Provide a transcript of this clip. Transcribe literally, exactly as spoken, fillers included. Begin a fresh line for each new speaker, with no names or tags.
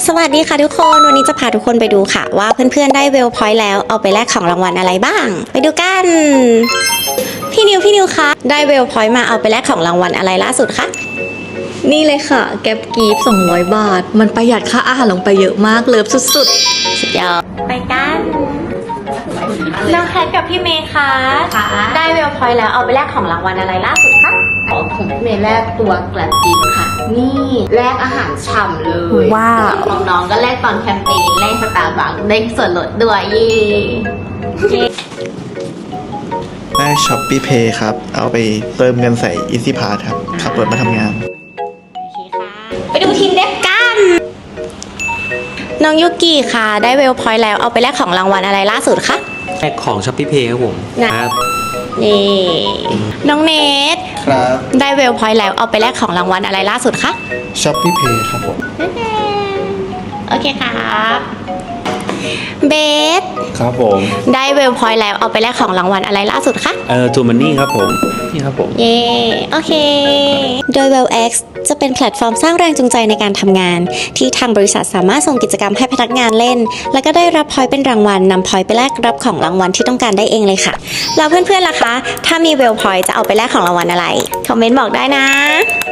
สวัสดีค่ะทุกคนวันนี้จะพาทุกคนไปดูค่ะว่าเพื่อนๆได้เวลพอยต์แล้วเอาไปแลกของรางวัลอะไรบ้างไปดูกันพี่นิวพี่นิวคะได้เวลพอยต์มาเอาไปแลกของรางวัลอะไรล่าสุดคะ
นี่เลยค่ะแก๊ปกีฟสองร้อยบาทมันประหยัดค่าอาหารลงไปเยอะมากเลิฟสุดๆ
สุดยอดไปกันน้องแคทกับพี่เมย์คะได้เวลพอยต์แล้วเอาไปแลกของรางวัลอะไรล่าสุดคะ
ของผมพี่เมย์แลกตัวแกลบกินค่ะนี่แลกอาหารฉ่ำเลย
ว้าว
ของน้องก็แลกตอนแคมเปญแลกสตาร์บัคได้ส่วนลดด้วยยี่
ได้ช้อปปี้เพย์ครับเอาไปเติมเงินใส่ Easy Pass ครับขับรถมาทำงาน
โอเคค่ะไปดูทีมเด็กกันน้องยุกิค่ะได้เวลพอยต์แล้วเอาไปแลกของรางวัลอะไรล่าสุดคะ
แลกของช้อปปี้เพย์ครับผมครับ
นี่น้องเนท
ครับ
ได้เวลพอยต์แล้วเอาไปแลกของรางวัลอะไรล่าสุดคะ
ช้อปปี้เพย์ครับผม
โอเคครับเบส
ครับผม
ได้เวลพอยต์แล้วเอาไปแลกของรางวัลอะไรล่าสุดคะ
เอ่อทูมันนี่ครับผมนี่ครับผม
เย่โอเคโดย WellX จะเป็นแพลตฟอร์มสร้างแรงจูงใจในการทำงานที่ทางบริษัทสามารถส่งกิจกรรมให้พนักงานเล่นแล้วก็ได้รับพอยต์เป็นรางวัลนำพอยต์ไปแลกรับของรางวัลที่ต้องการได้เองเลยค่ะแล้วเพื่อนๆล่ะคะถ้ามีเวลพอยต์จะเอาไปแลกของรางวัลอะไรคอมเมนต์บอกได้นะ